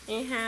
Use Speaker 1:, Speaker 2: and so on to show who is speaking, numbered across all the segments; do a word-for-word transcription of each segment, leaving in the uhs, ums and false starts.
Speaker 1: นี่ฮาว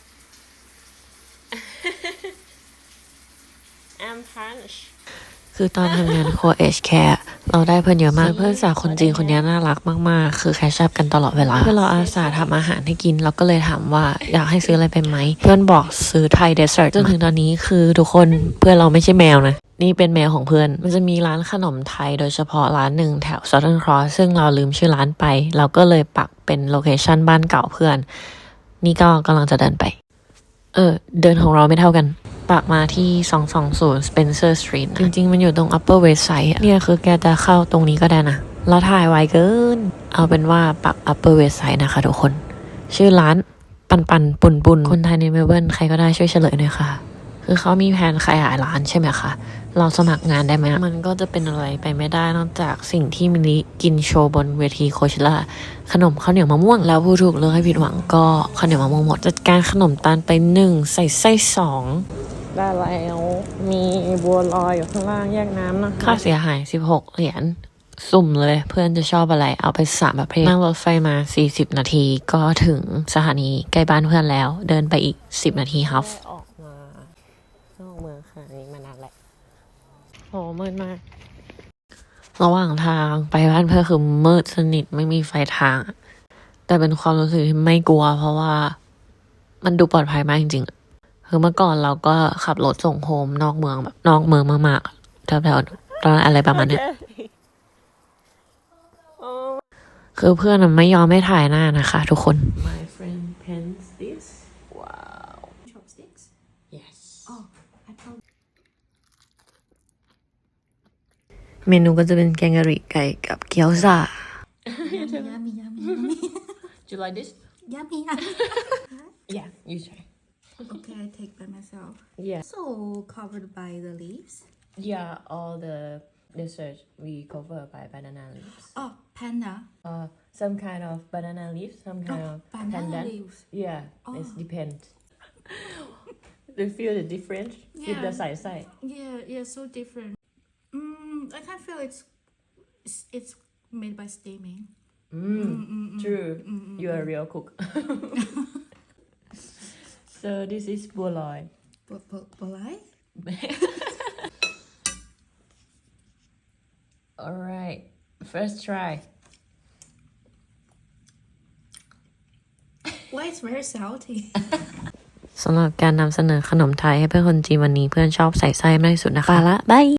Speaker 1: I'm punch
Speaker 2: คือตอนทำงานโคเอชแคร์เราได้เพื่อนเยอะมากเพื่อนสาวคนจีนคนนี้น่ารักมากๆคือแคชชัพกันตลอดเวลาเพื่อนเราอาสาทำอาหารให้กินเราก็เลยถามว่าอยากให้ซื้ออะไรไปไหมเพื่อนบอกซื้อไทยเดสเซอร์ตจนถึงตอนนี้คือทุกคนเพื่อนเราไม่ใช่แมวนะนี่เป็นแมวของเพื่อนมันจะมีร้านขนมไทยโดยเฉพาะร้านหนึ่งแถว Southern Cross ซึ่งเราลืมชื่อร้านไปเราก็เลยปักเป็นโลเคชั่นบ้านเก่าเพื่อนนี่ก็กำลังจะเดินไปเออเดินของเราไม่เท่ากันปักมาที่สองสองศูนย์ Spencer Street จริงๆมันอยู่ตรง Upper West Side อะเนี่ยคือแกจะเข้าตรงนี้ก็ได้นะเราถ่ายไว้เกินเอาเป็นว่าปัก Upper West Side นะคะทุกคนชื่อร้านปันปันปุนปุนคนไทยในเมลเบิร์นใครก็ได้ช่วยเฉลยหน่อยค่ะคือเขามีแผนขยายร้านใช่ไหมคะเราสมัครงานได้ไหมมันก็จะเป็นอะไรไปไม่ได้นอกจากสิ่งที่มินิกินโชว์บนเวทีโคเชล่าขนมข้าวเหนียวมะม่วงแล้วผู้ถูกเลือกให้ผิดหวังก็ข้าวเหนียวมะม่วงหมดจัดการขนมตาลไปหนึ่งใส่ไส้สอง
Speaker 1: ได้แล้วมีบัวลอยอยู่ข้างล่างแยกน้ำนะ
Speaker 2: ค่าเสียหายสิบหกเหรียญสุ่มเลยเพื่อนจะชอบอะไรเอาไปสามประเภทนั่งรถไฟมาสี่สิบนาทีก็ถึงสถานีใกล้บ้านเพื่อนแล้วเดินไปอีกสิบนาทีฮัฟ
Speaker 1: ออกมานอกเมืองค่ะนี่มานานแหละโหมืดมาก
Speaker 2: ระหว่างทางไปบ้านเพื่อนคือมืดสนิทไม่มีไฟทางแต่เป็นความรู้สึกที่ไม่กลัวเพราะว่ามันดูปลอดภัยมากจริงๆคือเมื่อก่อนเราก็ขับรถส่งโฮมนอกเมืองแบบนอกเมืองมากๆแถวๆตอนอะไรประมาณนี้คือเพื่อนไม่ยอมให้ถ่ายหน้านะคะทุกคน
Speaker 1: My friend pens this wow
Speaker 3: chopsticks
Speaker 1: yes
Speaker 3: oh I thought
Speaker 2: เมนูก็จะเป็นแกงกะหรี่ไก่กับเกี๊ยวซ่า
Speaker 3: yummy yummy yummy yummy
Speaker 1: do you like this
Speaker 3: yummy yummy
Speaker 1: yeah you try
Speaker 3: okay I take by myself
Speaker 1: yeah
Speaker 3: so covered by the leaves
Speaker 1: yeah all the dessert we cover by banana leaves
Speaker 3: oh panda
Speaker 1: uh some kind of banana leaves some kind
Speaker 3: oh,
Speaker 1: of
Speaker 3: banana
Speaker 1: pandan
Speaker 3: leaves
Speaker 1: yeah
Speaker 3: oh.
Speaker 1: it depends do you feel the difference
Speaker 3: yeah.
Speaker 1: with the side side
Speaker 3: yeah yeah so different mm, I can feel it's it's, it's made by steaming
Speaker 1: mm,
Speaker 3: mm, mm, mm,
Speaker 1: true
Speaker 3: mm, mm,
Speaker 1: you're a real cook so this is บัวลอย
Speaker 3: Bolai
Speaker 1: alright first try
Speaker 3: why it's very salty
Speaker 2: สำหรับการนำเสนอขนมไทยให้เพื่อนคนจีนวันนี้เพื่อนชอบใส่ไส้มากที่สุดนะคะละบาย